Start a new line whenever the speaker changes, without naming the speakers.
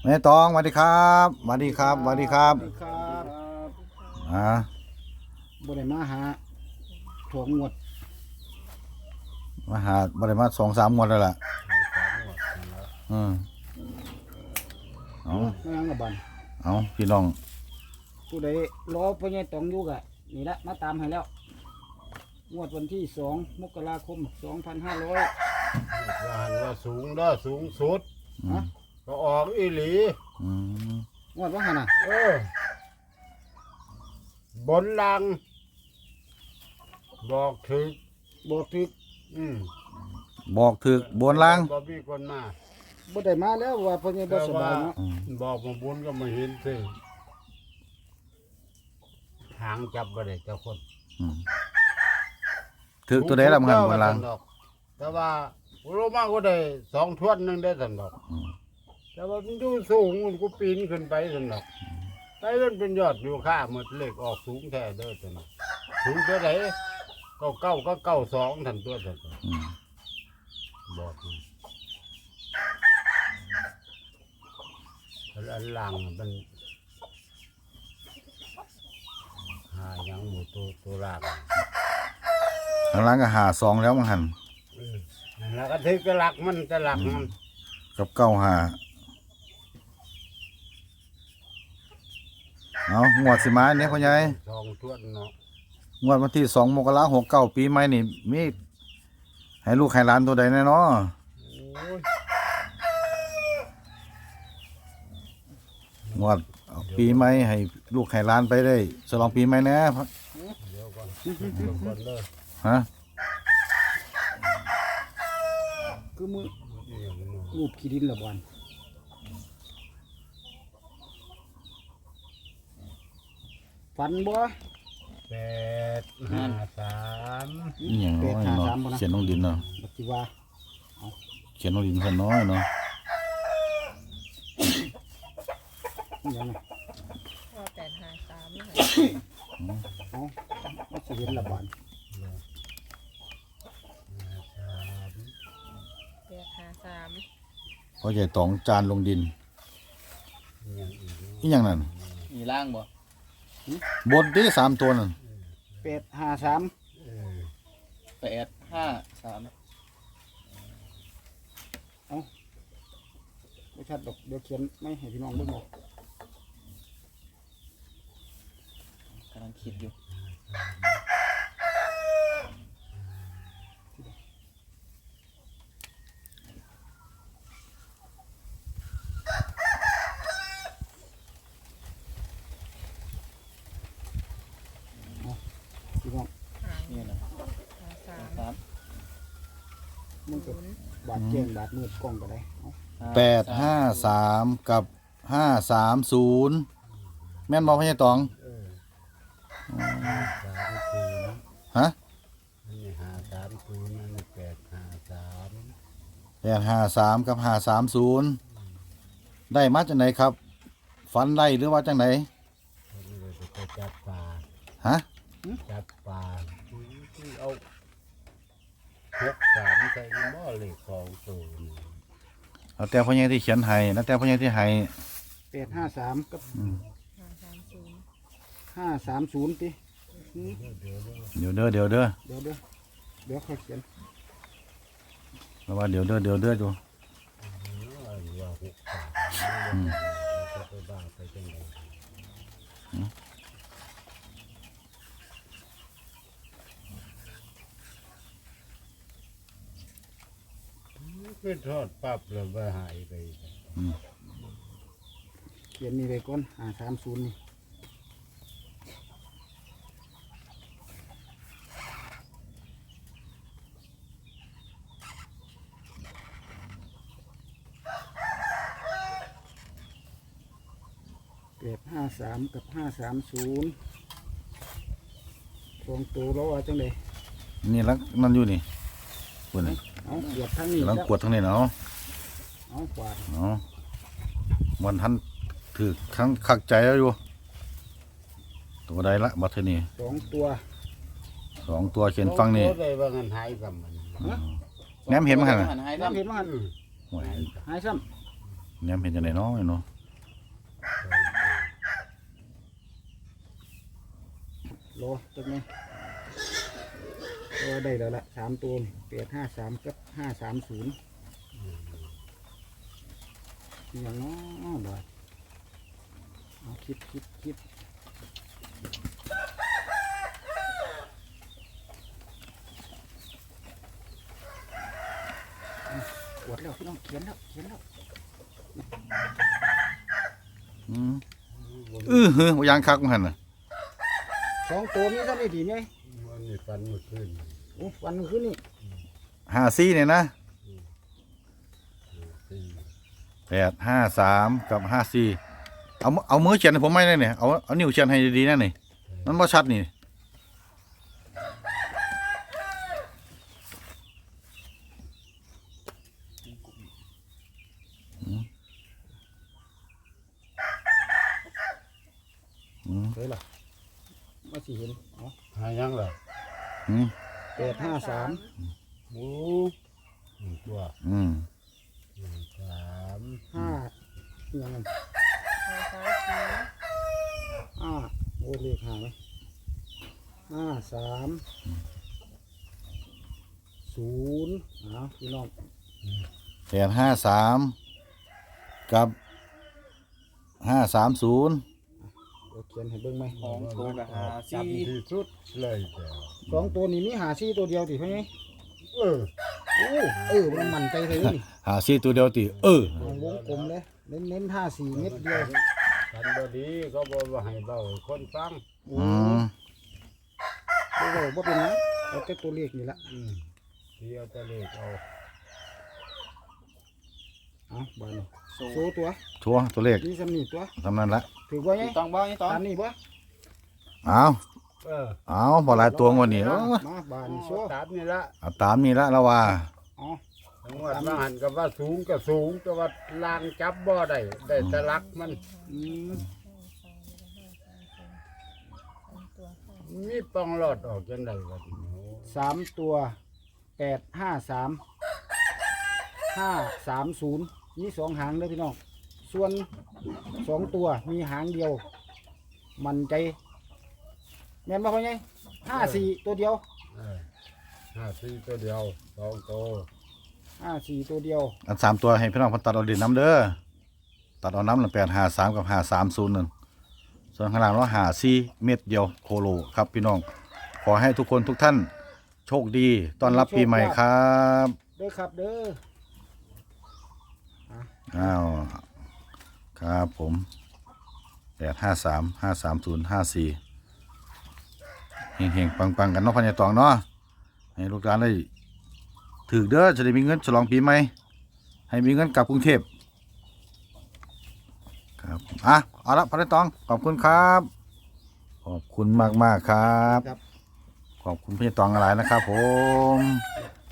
แม่ตองสวัสดีครับสวัสดีครับสวัสดีครับ
สวัสดีครับ
บ่
ได้มาหาถั่วงวด
มาหาบ่ได้มา2-3 งวดแล้วล่ะอืมเอา
ไม่ยังละบัน
เอาพี่น้อง
ผู้ใดรอพ่อใหญ่ตองอยู่กะนี่ละมาตามให้แล้วงวดวันที่2 มกราคม 2500
ว่าหันว่าสูงเด้อสูงสุด
อืม
ก็ออกอีหลี
อืม
งวดว่าหันน่ะ
บนลัง บอกถึก
บอกถึก
บอกถึกบนล่าง
บ่มีคนมา
บ่ได้มาแล้วว่าพ่อใหญ่บ่สบายเนาะ
อืม
บอกมาบุญก็มาเห็นสิหางจับบ่ได้เจ้าคน
อืมถึกตัวใดล่ะมึงหันบนล่าง
แต่ว่าโลมาก็ได้2 ทวนหนึงได้สันดอก
อืม
แต่ว่ามันอยู่สูงมันก็ปีนขึ้นไปสันดอกไปมันเป็นยอดอยู่ค่าหมดเลขออกสูงแท้เด้อจังนั้นสูงตัวไหนก็92ทันตัวสันดอก
อืม
บอกนี่อันหลังมันหายังหมูตัวราก
ข้างล่างก็หา2แล้วมึงหัน
นั่นแล้วก็ถือจะหลักมันจะหลักมัน
กับ9-5เอางวดสิมาเนี่ยพ่อใหญ่
สองทวนเนาะ
งวดวันที่2 มกราคม 69ปีใหม่นี่มีให้ลูกให้หลานตัวใดแน่เนาะ
โอ้ย
งวดเอาปีใหม่ให้ลูกให้หลานไปได้ฉลองปีใหม่แหน่
เดี๋ยวก่อนเดี๋ยวก่อนเลย
ฮะ
คือมือ
เดี๋ยวมัน
รูปขี้ดินละบันฝันบ่
853
อีหยังน้อยเนาะ
853บ่นะ
เขียนลงดินเนาะ
บัดสิว่า
เขียนลงดินซะน้อยเนาะ
อีหยังน่ะ
ว่า853นี่ค่ะ
เอาบ่สิเห็นละบัน
853
เพราะใหญ่ตองจานลงดิน
อย่างอีก
อีหยังนั่น
มีล่างบ่
บนที่3ตัวนั่น
853
เออ
853
ไม่ชัดดอกเดี๋ยวเขียนไม่ให้พี่น้องเบิ่งออก
กำลังคิดอยู่
พี่น้อง
นี่นะ
53
ครับ
มันก็บาดแจ้งบาดมืดกล้องก็ได้เอา
853กับ530แม่นบ่พ่อใหญ่ตอง
เออ3
ฮะ
อันนี้530นั่น853
853กับ530ได้มาจากไหนครับฝันได้หรือว่าจังไหน
คนนี้เลยไปจับปลา
ฮะ
จับปลาที่เอา6 3ใส่หม้อเหล็ก2ตัวนี่
เอาแต่พ่อใหญ่ที่เขียนให้แล้วแต่พ่อใหญ่ที่ให้
853กับ
530
530ติอืม
เดี๋ยวเด้อเดี๋ยวเด้อ
เดี๋ยวค่อยเขียน
แล้วว่าเดี๋ยวเด้อเดี๋ยวเด้ออยู่
ว่า6 3จะไปบ้าไปจังไดคือทอดปั๊บแล้วว่าหายไป
เขียนนี่ไปก่อน530นี่853กับ530สองตัวแล้วว่าจังได๋
นี่ลักนั่นอยู่นี่ปุ่นนี่
เอาเกียบทางนี้
กำลัง
แล้ว
กวดทั้งนี้เนาะ
เอากวาด
เนาะมันทันถือครั้งคักใจแล้วอยู่ตัวใดละบัดเทอนี่
สองตัว
2 ตัวเขียนฟังนี่
โอ้ได้ว่างันหายกับมัน
แหนมเห็นมั้ยหั่นน่ะ
หันหาย
น้ำเห็นว่าหัน
โอ้ย
หายซ้
แหนมเห็นจังได๋เนาะเนาะ
ำรอจักหน่อยตัวได้แล้วละ3ตัว853กับ530อย่างน้อบ่เอาคิดกดแล้วพี่น้องเขียนแล้ว
อืมเฮ้ยยางคักมันหั่นน่ะ
2ตัวมีเท่านี้ดีไง
วันนี้ฟันเมื่อคืน
โอ้วันขึ้นนี่
54เนี่ยนะ
สี่
853กับ54เอามือเขียนให้ผมไม่ได้เนี่ยเอานิ้วเขียนให้ดีๆนะนี่มันบ่ชัดนี่
เฮ้ยล่ะมาสิเห็นเอา
หายังล่ะ
อืม
853
หมูตัว
อืม
สาม
5ยังไง โอ้เลขหาไหม53 0พี่น้อง
853กับ530
เดี๋ยวเขียนให้เบิ่งไหม
ของโทรกับหา
จับ
สี่
ที่สุดเลยแต่
2ตัวนี้มี54ตัวเดียวติเพิ่นไง
เออ
มันมั่นใจเลยนี่
54ตัวเดียวติ
เอาวงกลมเลยเน้น54เม็ดเดียว
ฟันบดีก็บอกว่าให้เบาให้คนฟัง
โอ้
อืม
บ่เป็นหยังเอาแต่ตัวเลขนี่ละ
เที่ยวตะเลกเอา
เอาบ่นี่
โซ่
โซตัว
ชัวร์ตัวเลข
นี่สำนีตัว
ทำนั้นละ
ถือว่าไง
ถูกต้องบ่นี่ต้อง
ตามนี่บ่
เอา
เออ
บ่หลายตัวงวดนี้
มาบานโซ
ตามนี่ละ
เอาตามนี้ละแล้วว่า
อ๋อ
จังหวัดมาหันกับว่าสูงก็สูงแต่ว่าลางจับบ่ได้ได้แต่ลักมัน
อืม
มีปองหลอดออกจังไดวะทีนี้
3ตัว853 530มี2หางเด้อพี่น้องส่วน2ตัวมีหางเดียว มั่นใจแม่นบ่พ่อใหญ่54ตัวเดียว
เออ54ตัวเดียว2ตัว
54ตัวเดียว
อัน3ตัวให้พี่น้องเพิ่นตัดเอาดินน้ำเด้อตัดเอาน้ำละ853กับ530นั่นส่วนข้างล่างเรา54เม็ดเดียวโคโลครับพี่น้องขอให้ทุกคนทุกท่านโชคดีต้อนรับปีใหม่ครับ
เด้อครับเด้อ
อ้าวครับผม853 530 54เฮงๆปังๆกันเนาะพ่อใหญ่ตองเนาะให้ลูกหลานได้ถือเด้อจะได้มีเงินฉลองปีใหม่ให้มีเงินกลับกรุงเทพครับเอาละพ่อใหญ่ตองขอบคุณครับขอบคุณมากๆครับ
ครับ
ขอบคุณพี่ตองอะไรนะครับผม